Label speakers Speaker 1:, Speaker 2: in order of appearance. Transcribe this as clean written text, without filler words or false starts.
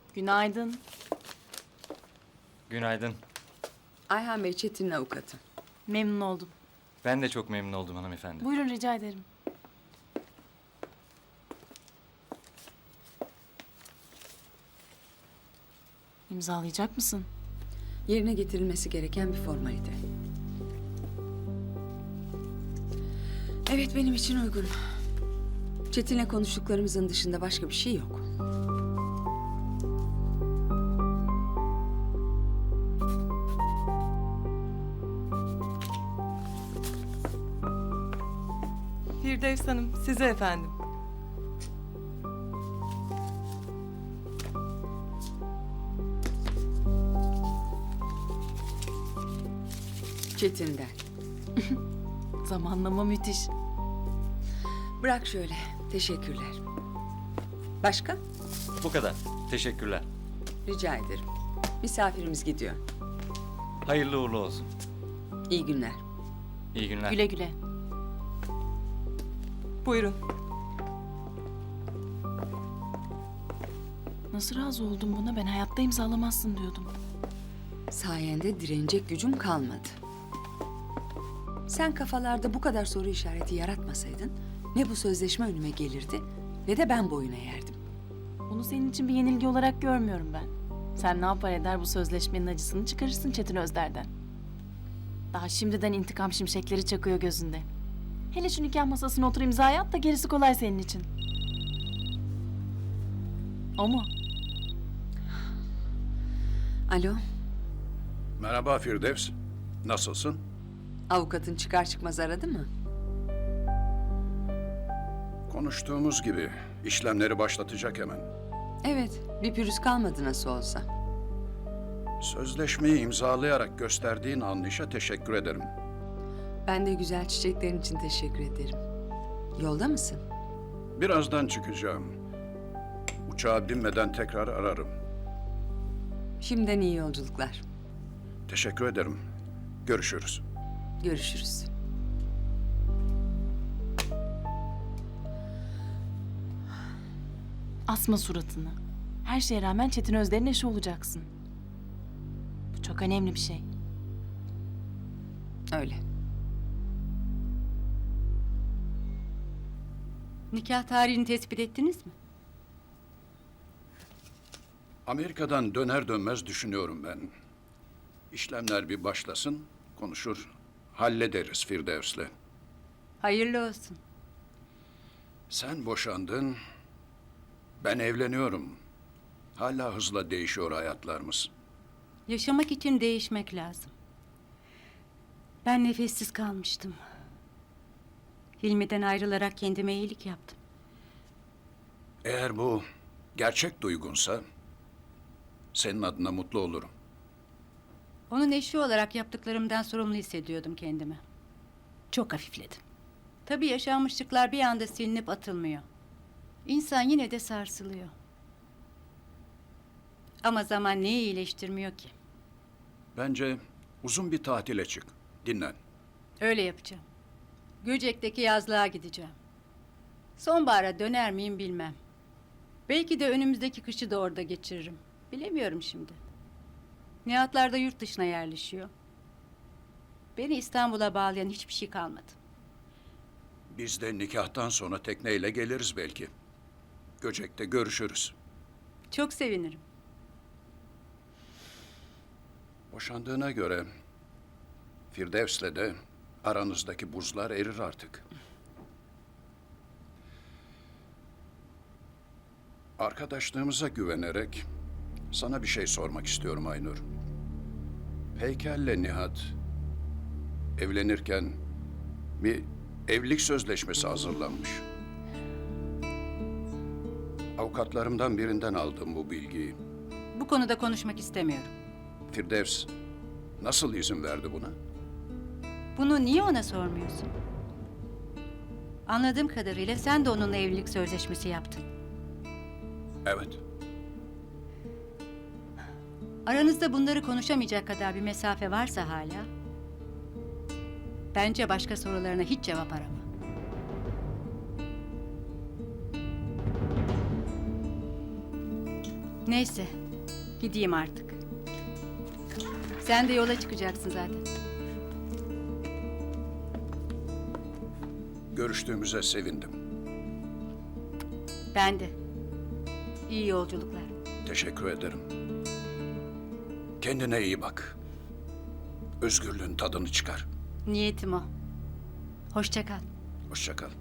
Speaker 1: Günaydın.
Speaker 2: Günaydın.
Speaker 3: Ayhan Bey, Çetin'in avukatı.
Speaker 1: Memnun oldum.
Speaker 2: Ben de çok memnun oldum hanımefendi.
Speaker 1: Buyurun rica ederim. İmzalayacak mısın?
Speaker 3: Yerine getirilmesi gereken bir formalite. Evet, benim için uygun. Çetin'le konuştuklarımızın dışında başka bir şey yok.
Speaker 4: Firdevs Hanım, size efendim.
Speaker 3: Çetin'den.
Speaker 1: Zamanlama müthiş.
Speaker 3: Bırak şöyle. Teşekkürler. Başka?
Speaker 2: Bu kadar. Teşekkürler.
Speaker 3: Rica ederim. Misafirimiz gidiyor.
Speaker 2: Hayırlı uğurlu olsun.
Speaker 3: İyi günler.
Speaker 2: İyi günler.
Speaker 1: Güle güle.
Speaker 4: Buyurun.
Speaker 1: Nasıl razı oldun buna? Ben hayatta imzalamazsın diyordum.
Speaker 3: Sayende direnecek gücüm kalmadı. Sen kafalarda bu kadar soru işareti yaratmasaydın ne bu sözleşme önüme gelirdi ne de ben boyuna yerdim.
Speaker 1: Bunu senin için bir yenilgi olarak görmüyorum ben. Sen ne yapar eder bu sözleşmenin acısını çıkarırsın Çetin Özder'den. Daha şimdiden intikam şimşekleri çakıyor gözünde. Hele şu nikah masasına otur imzaya at da gerisi kolay senin için. O mu?
Speaker 3: Alo,
Speaker 5: Merhaba Firdevs. Nasılsın?
Speaker 3: avukatın çıkar çıkmaz aradı mı?
Speaker 5: Konuştuğumuz gibi işlemleri başlatacak hemen.
Speaker 3: Evet, bir pürüz kalmadı nasıl olsa.
Speaker 5: Sözleşmeyi imzalayarak gösterdiğin anlayışa teşekkür ederim.
Speaker 3: Ben de güzel çiçeklerin için teşekkür ederim. Yolda mısın?
Speaker 5: Birazdan çıkacağım. Uçağa binmeden tekrar ararım.
Speaker 3: Şimdiden iyi yolculuklar.
Speaker 5: Teşekkür ederim. Görüşürüz.
Speaker 3: Görüşürüz.
Speaker 1: Asma suratını. Her şeye rağmen Çetin Özder'in eşi olacaksın. Bu çok önemli bir şey.
Speaker 3: Öyle.
Speaker 6: Nikah tarihini tespit ettiniz mi?
Speaker 5: Amerika'dan döner dönmez düşünüyorum ben. İşlemler bir başlasın, konuşur, hallederiz Firdevs'le.
Speaker 6: Hayırlı olsun.
Speaker 5: Sen boşandın, ben evleniyorum. Hala hızla değişiyor hayatlarımız.
Speaker 6: Yaşamak için değişmek lazım. Ben nefessiz kalmıştım. Hilmi'den ayrılarak kendime iyilik yaptım.
Speaker 5: Eğer bu gerçek duygunsa senin adına mutlu olurum.
Speaker 6: Onun eşi olarak yaptıklarımdan sorumlu hissediyordum kendimi. Çok hafifledim. Tabii yaşanmışlıklar bir anda silinip atılmıyor. İnsan yine de sarsılıyor. Ama zaman neyi iyileştirmiyor ki?
Speaker 5: Bence uzun bir tatile çık, dinlen.
Speaker 6: Öyle yapacağım. Göcek'teki yazlığa gideceğim. Sonbahara döner miyim bilmem. Belki de önümüzdeki kışı da orada geçiririm. Bilemiyorum şimdi. Nihatlar da yurt dışına yerleşiyor. Beni İstanbul'a bağlayan hiçbir şey kalmadı.
Speaker 5: Biz de nikahtan sonra tekneyle geliriz belki. Göcek'te görüşürüz.
Speaker 6: Çok sevinirim.
Speaker 5: Boşandığına göre Firdevs'le de aranızdaki buzlar erir artık. Arkadaşlığımıza güvenerek sana bir şey sormak istiyorum Aynur. Heykel'le Nihat evlenirken bir evlilik sözleşmesi hazırlanmış. Avukatlarımdan birinden aldım bu bilgiyi.
Speaker 6: Bu konuda konuşmak istemiyorum.
Speaker 5: Firdevs nasıl izin verdi buna?
Speaker 6: Bunu niye ona sormuyorsun? Anladığım kadarıyla sen de onunla evlilik sözleşmesi yaptın.
Speaker 5: Evet.
Speaker 6: Aranızda bunları konuşamayacak kadar bir mesafe varsa hala... bence başka sorularına hiç cevap arama. Neyse, gideyim artık. Sen de yola çıkacaksın zaten.
Speaker 5: Görüştüğümüze sevindim.
Speaker 6: Ben de. İyi yolculuklar.
Speaker 5: Teşekkür ederim. Kendine iyi bak. Özgürlüğün tadını çıkar.
Speaker 6: Niyetim o. Hoşça kal.
Speaker 5: Hoşça kal.